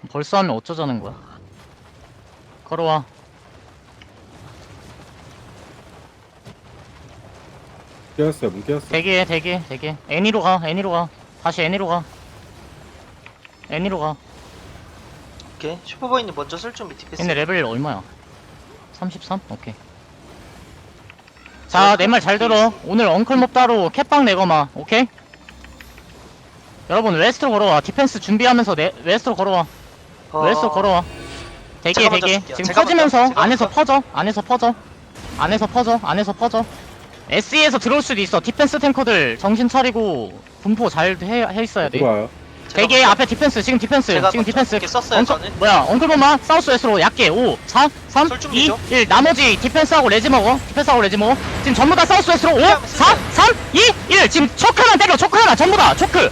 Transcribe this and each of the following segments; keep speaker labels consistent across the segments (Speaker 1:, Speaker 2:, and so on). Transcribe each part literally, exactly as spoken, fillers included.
Speaker 1: 벌써 하면 어쩌자는 거야. 걸어와.
Speaker 2: 깨웠어요. 문 깨웠어.
Speaker 1: 대기해 대기해 대기해. 애니로 가 애니로 가. 다시 애니로 가. 애니로 가.
Speaker 3: 오케이. 슈퍼보이님 먼저 쓸 준비 디펜스.
Speaker 1: 얘네 레벨 얼마야? 삼십삼? 오케이. 자, 내 말 잘 들어. 오늘 엉클몹 따로 캣빵 내거마. 오케이? 여러분 웨스트로 걸어와. 디펜스 준비하면서 내, 웨스트로 걸어와.
Speaker 3: 어...
Speaker 1: 웨스트로 걸어와. 대기해
Speaker 3: 제가 먼저
Speaker 1: 대기해.
Speaker 3: 쓸게요.
Speaker 1: 지금
Speaker 3: 제가
Speaker 1: 퍼지면서
Speaker 3: 먼저, 제가
Speaker 1: 안에서
Speaker 3: 먼저.
Speaker 1: 퍼져. 안에서 퍼져. 안에서 퍼져. 안에서 퍼져. 에스이에서 들어올 수도 있어. 디펜스 탱커들 정신 차리고 분포 잘 해, 해 있어야 돼.
Speaker 2: 들어와요.
Speaker 1: 대기해. 앞에 디펜스. 지금 디펜스.
Speaker 3: 제가
Speaker 1: 지금
Speaker 3: 먼저
Speaker 1: 디펜스.
Speaker 3: 이렇게 썼어요,
Speaker 1: 엉클-
Speaker 3: 저는.
Speaker 1: 뭐야? 엉클보마 사우스 웨스트로 얕게 오, 사, 삼,
Speaker 3: 술
Speaker 1: 이,
Speaker 3: 준비죠?
Speaker 1: 일. 나머지 디펜스하고 레지 먹어. 디펜스하고 레지 먹어. 지금 전부 다 사우스 웨스트로 오, 사, 삼, 이, 일. 지금 초크만 때려. 초크 하나 전부 다 초크.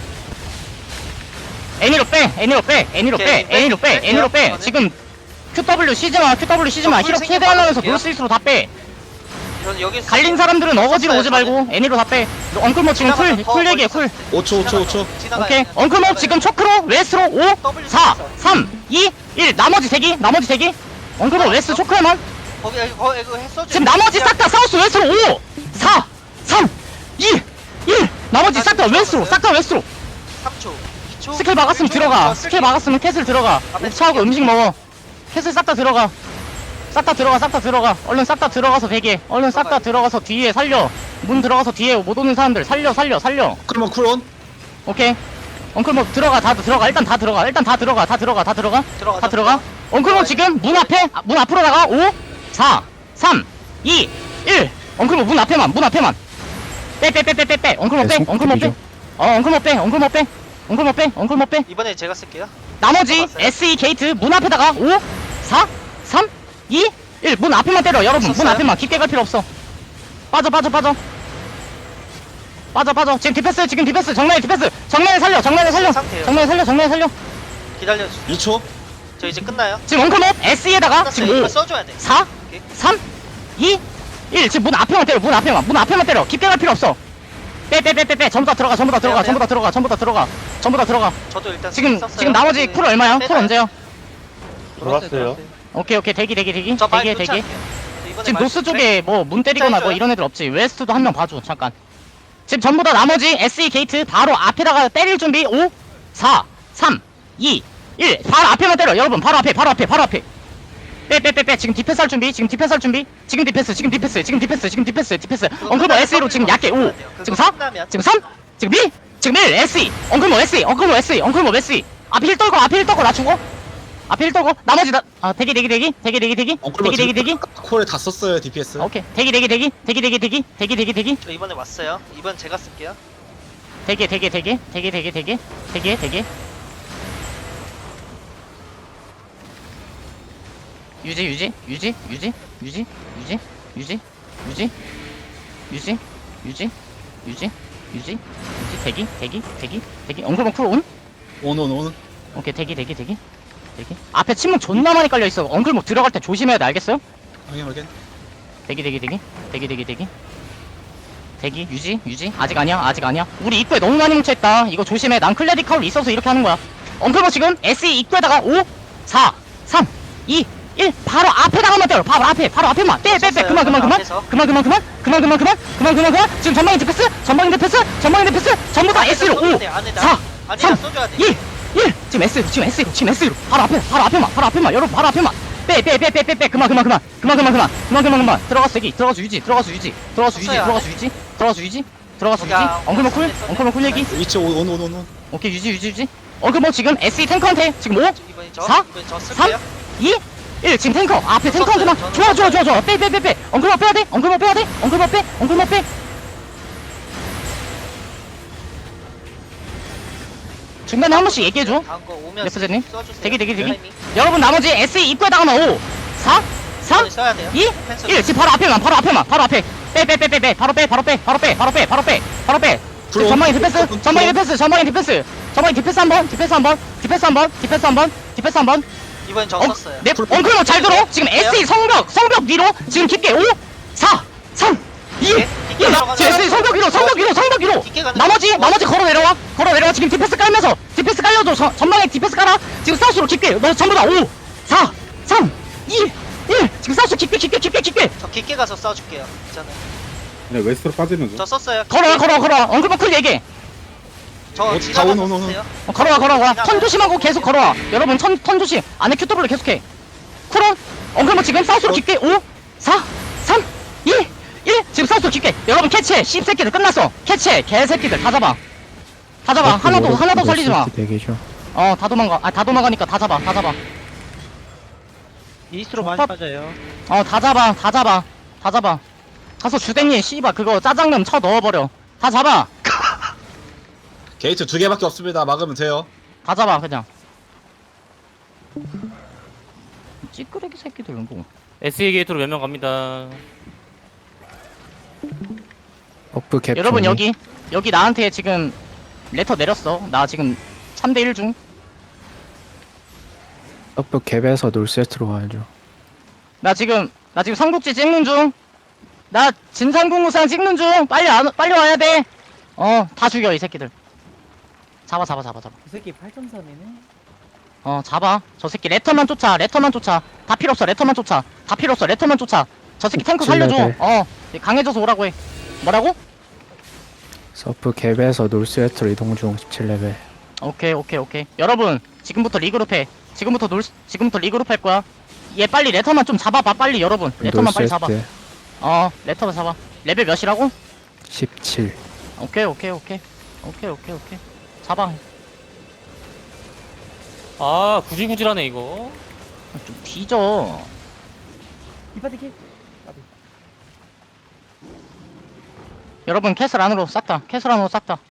Speaker 1: 애니로 빼. 애니로 빼. 애니로
Speaker 3: 오케이,
Speaker 1: 빼. 애니로 빼.
Speaker 3: 뺄게요,
Speaker 1: 애니로 빼.
Speaker 3: 저는.
Speaker 1: 지금 큐더블유 시즈마. 큐더블유 시즈마.
Speaker 3: 저
Speaker 1: 히로
Speaker 3: 풀
Speaker 1: 캐대하면서
Speaker 3: 생각
Speaker 1: 노스이스로 다 빼.
Speaker 3: 저는 여기
Speaker 1: 갈린 사람들은 어거지로
Speaker 3: 썼어요,
Speaker 1: 오지 말고 애니로 다 빼. 엉클모 지금 쿨,
Speaker 3: 지나가서
Speaker 1: 쿨
Speaker 3: 더
Speaker 1: 얘기해.
Speaker 3: 멀리
Speaker 1: 쿨.
Speaker 4: 오 초 오 초 오 초.
Speaker 3: 지나가요,
Speaker 1: 오케이.
Speaker 3: 그냥.
Speaker 1: 엉클모 지금 초크로 웨스트로 오,
Speaker 3: W
Speaker 1: 사,
Speaker 3: 썼어.
Speaker 1: 삼, 이, 일. 나머지 대기. 나머지 대기. 엉클모 웨스트 초크에만.
Speaker 3: 거기 여기 거기 이거 했어.
Speaker 1: 지금 나머지 싹 다 사우스 웨스트로 오, 사, 삼, 이, 일. 나머지 싹 다 웨스트로. 싹 다 웨스트로.
Speaker 3: 삼 초, 이 초.
Speaker 1: 스킬 막았으면 들어가. 스킬 막았으면 캐슬 들어가.
Speaker 3: 앞에
Speaker 1: 옵차하고
Speaker 3: 쓸게요.
Speaker 1: 음식 먹어. 캐슬 싹 다 들어가. 싹 다 들어가. 싹 다 들어가. 얼른 싹 다 들어가서 대기해. 얼른 싹 다 들어가서 뒤에 살려. 문 들어가서 뒤에 못 오는 사람들 살려 살려 살려.
Speaker 4: 그러면 쿨온.
Speaker 1: 오케이. 엉클모 들어가. 다 들어가. 일단 다 들어가. 일단 다 들어가. 다 들어가. 다 들어가.
Speaker 3: 들어가.
Speaker 1: 다 들어가. 엉클모 지금 문 앞에 아, 문 앞으로 나가. 오, 사, 삼, 이, 일. 엉클모 문 앞에만. 문 앞에만. 빼 빼 빼 빼 빼 빼. 엉클모 빼.
Speaker 2: 네,
Speaker 1: 엉클모 빼.
Speaker 2: 손톱이죠.
Speaker 1: 어, 엉클모 빼. 엉클모 빼. 엉클모 빼. 엉클모 빼.
Speaker 3: 이번에 제가 쓸게요.
Speaker 1: 나머지
Speaker 3: 들어갔어요?
Speaker 1: 에스이 게이트 문 앞에다가 오, 사, 삼, 이, 일. 문 앞에만 때려. 여러분 문
Speaker 3: 썼어요?
Speaker 1: 앞에만. 깊게 갈 필요 없어. 빠져 빠져 빠져. 빠져 빠져. 지금 디펜스 지금 디펜스 정면에 디펜스. 정면에 살려. 정면에 살려.
Speaker 3: 상태예요.
Speaker 1: 정면에 살려. 정면에 살려.
Speaker 3: 기다려 주세요.
Speaker 4: 이 초.
Speaker 3: 저 이제 끝나요.
Speaker 1: 지금 엉클몹 에스이에다가
Speaker 3: 끝났어요.
Speaker 1: 지금
Speaker 3: 이거
Speaker 1: 오,
Speaker 3: 써줘야 돼.
Speaker 1: 사,
Speaker 3: 오케이.
Speaker 1: 삼, 이, 일. 지금 문 앞에만 때려. 문 앞에만. 문 앞에만 때려. 깊게 갈 필요 없어. 빼 빼 빼 빼 빼. 전부 다 들어가. 전부 다 들어가.
Speaker 3: 빼요,
Speaker 1: 전부 다 들어가. 전부 다 들어가. 전부 다 들어가.
Speaker 3: 저도 일단
Speaker 1: 지금
Speaker 3: 썼어요.
Speaker 1: 지금 나머지
Speaker 3: 네.
Speaker 1: 쿨 얼마야? 쿨
Speaker 3: 빼놔요.
Speaker 1: 언제요?
Speaker 5: 들어왔어요.
Speaker 1: 오케이 오케이. 대기 대기 대기.
Speaker 3: 저 말
Speaker 1: 대기해
Speaker 3: 붙지
Speaker 1: 대기.
Speaker 3: 않게요. 저 이번에
Speaker 1: 지금
Speaker 3: 말
Speaker 1: 노스
Speaker 3: 붙지
Speaker 1: 쪽에 뭐 문 때리거나 뭐
Speaker 3: 해줘요?
Speaker 1: 이런 애들 없지. 웨스트도 한 명 봐줘. 잠깐. 지금 전부 다 나머지 에스이 게이트 바로 앞에다가 때릴 준비. 오, 사, 삼, 이, 일. 바로 앞에만 때려. 여러분 바로 앞에 바로 앞에 바로 앞에. 빼 빼 빼 빼. 지금 디펜스 할 준비. 지금 디펜스 할 준비. 지금 디펜스 지금 디펜스 지금 디펜스 지금 디펜스 디펜스. 엉클모 에스이로 지금 얕게 오. 지금 사, 지금 삼, 지금 이, 지금 일. 에스이. 엉클모 에스이. 엉클모 에스이. 엉클모 에스이. 앞에 힐 떨고 앞에 힐 떨고 나 죽어. 앞에 힐 떨고 나머지 나 아 대기 대기 대기 대기 대기 대기 대기 대기 대기.
Speaker 4: 콜에 다 썼어요 디피에스.
Speaker 1: 아, 오케이. 대기 대기 대기 대기 대기 대기 대기 대기 대기
Speaker 3: 저 이번에 왔어요. 이번 제가 쓸게요.
Speaker 1: 대기 대기 대기 대기 대기 대기 대기 대기 유지 유지 유지 유지 유지 유지 유지 유지 유지 유지 유지 유지 유지 대기 대기 대기 대기 엉클벙 쿨 온?
Speaker 4: 온온 온.
Speaker 1: 오케이 대기 대기 대기 대기 앞에 침묵 존나 많이 깔려있어. 엉클벙 들어갈 때 조심해야 돼. 알겠어요?
Speaker 4: 확인 확인.
Speaker 1: 대기 대기 대기 대기 대기 대기 대기 유지 유지 아직 아니야 아직 아니야. 우리 입구에 너무 많이 뭉쳐있다. 이거 조심해. 난 클레디 카울 있어서 이렇게 하는 거야. 엉클버 지금 에스이 입구에다가 오, 사, 삼, 이, 일. 바로 앞에다가만 때려. 바로 앞에 바로 앞에만 빼 빼 빼. 그만 그만 그만
Speaker 3: 앞에서.
Speaker 1: 그만 그만 그만 그만 그만 그만 그만 그만 그만. 지금 전방인 디펜스 전방인 디펜스 전방인 디펜스 전부 다 에스이로 오, 사,
Speaker 3: 아니야
Speaker 1: 삼,
Speaker 3: 써줘야 돼.
Speaker 1: 일, 일. 지금 S로 지금 S로 지금 S로 바로 앞에 바로 앞에만 바로 앞에만. 여러분 바로 앞에만 빼 빼 빼 빼 빼 빼. 그만 그만 그만 그만 그만 그만 그만 그만 그만. 들어가서 대기 들어가서 유지 들어가서 유지 들어가서 유지
Speaker 3: 썼어요,
Speaker 1: 들어가서 유지 들어가서 유지 들어가서 유지.
Speaker 3: 오케이.
Speaker 1: 엉클머 쿨 엉클머 쿨 얘기.
Speaker 4: 위치 온 온 온 온.
Speaker 1: 오케이 유지 유지 유지. 엉클머 지금 에스이 탱커한테 지금 오,
Speaker 3: 이번에 저
Speaker 1: 사,
Speaker 3: 이번에 저
Speaker 1: 삼,
Speaker 3: 쓸게요.
Speaker 1: 이, 일. 지금 탱커 앞에
Speaker 3: 저
Speaker 1: 탱커한테만
Speaker 3: 썼어요,
Speaker 1: 좋아
Speaker 3: 저는
Speaker 1: 좋아 좋아 좋아. 빼 빼 빼 빼. 엉클머 빼야 돼. 엉클머 빼야 돼. 엉클머 빼 엉클머 빼. 중간에 한 번씩 얘기해줘.
Speaker 3: 다음 거 오면
Speaker 1: 레프제님?
Speaker 3: 써주세요.
Speaker 1: 대기 대기 대기.
Speaker 3: 타이밍.
Speaker 1: 여러분 나머지 에스이 입구에다가만 오, 사, 삼,
Speaker 3: 이번에 써야 돼요.
Speaker 1: 이,
Speaker 3: 펜스.
Speaker 1: 일. 지금 바로 앞에만 바로 앞에만 바로 앞에 빼 빼 빼 빼 빼. 바로 빼 바로 빼 바로 빼 바로 빼 바로 빼 바로 빼. 지금 전방인 디펜스 전방인 디펜스 전방인 디펜스 전방인 디펜스 한번 디펜스 한번 디펜스 한번 디펜스 한번 디펜스 한번.
Speaker 3: 이번엔 저
Speaker 1: 엉-
Speaker 3: 썼어요.
Speaker 1: 네, 엉클로 잘 들어. 지금 에스이 성벽 성벽 위로 지금 깊게 오, 사, 삼, 이,
Speaker 3: 뒷게 들어가는
Speaker 1: 지금 에스이 성벽 위로 성벽 위로 성벽 위로
Speaker 3: 뒷게 가는
Speaker 1: 나머지
Speaker 3: 거.
Speaker 1: 나머지 걸어 내려와 걸어 내려와 지금 디펜스 깔면서 디펜스 깔려줘 저- 전방에 디펜스 깔아 지금 사우스로 깊게 너 전부 다 오 사 삼 이 일 지금 사우스 깊게 깊게 깊게 깊게
Speaker 3: 저 깊게 가서 싸워줄게요. 괜찮아요.
Speaker 2: 네, 웨스트로 빠지는 중.
Speaker 3: 저 썼어요.
Speaker 1: 걸어와 걸어와 걸어와 엉클버 쿨 얘기해
Speaker 3: 저
Speaker 4: 어,
Speaker 3: 지나가서
Speaker 4: 자, 온, 온, 온, 온.
Speaker 3: 썼어요.
Speaker 1: 어, 걸어와 걸어와 턴 조심하고 계속 걸어와 여러분 턴, 턴 조심 안에 큐더블로 계속해 쿨온 엉클버 지금 사우스로 깊게 오 사 삼 이 일 지금 사우스로 깊게 여러분 캐치해 씹새끼들 끝났어 캐치해 개새끼들 다 잡아 다 잡아 하나도 하나도 살리지 마
Speaker 6: 대기죠.
Speaker 1: 어, 다 도망가. 아, 다 도망가니까 다 잡아. 다 잡아.
Speaker 5: 이스트로 많이
Speaker 1: 팝.
Speaker 5: 빠져요.
Speaker 1: 어, 다 잡아. 다 잡아. 다 잡아. 가서 주댕이 씨발 그거 짜장면 쳐 넣어버려. 다 잡아.
Speaker 4: 게이트 두 개밖에 없습니다. 막으면 돼요.
Speaker 1: 다 잡아 그냥. 찌끄레기 새끼들 뭐.
Speaker 7: 에스이 게이트로 몇 명 갑니다.
Speaker 6: 버프 캡.
Speaker 1: 여러분
Speaker 6: 정리.
Speaker 1: 여기 여기 나한테 지금 레터 내렸어. 나 지금 삼 대 일 중.
Speaker 6: 버프 캡에서 놀세트로 가야죠.
Speaker 1: 나 지금 나 지금 삼국지 찍는 중. 나 진상공무상 찍는 중. 빨리 안 빨리 와야 돼. 어, 다 죽여 이 새끼들. 잡아 잡아 잡아 잡아.
Speaker 5: 그 새끼 팔 점 삼이네.
Speaker 1: 어 잡아 저 새끼 레터만 쫓아 레터만 쫓아 다 필요 없어 레터만 쫓아 다 필요 없어 레터만 쫓아 저 새끼 탱크 살려줘
Speaker 6: 레벨.
Speaker 1: 어 강해져서 오라고 해 뭐라고?
Speaker 6: 서프 캡에서 놀세트로 이동 중 십칠 레벨.
Speaker 1: 오케이 오케이 오케이 여러분 지금부터 리그룹 해 지금부터 놀 지금부터 리그룹 할 거야 얘 빨리 레터만 좀 잡아봐 빨리 여러분 레터만 빨리 잡아
Speaker 6: 놀세트
Speaker 1: 어 레터만 잡아 레벨 몇이라고?
Speaker 6: 십칠.
Speaker 1: 오케이 오케이 오케이 오케이 오케이 오케이 잡아
Speaker 7: 아, 구질구질하네, 이거.
Speaker 1: 좀 뒤져
Speaker 5: 이파티 킬.
Speaker 1: 여러분 캐슬 안으로 싹다 캐슬 안으로 싹다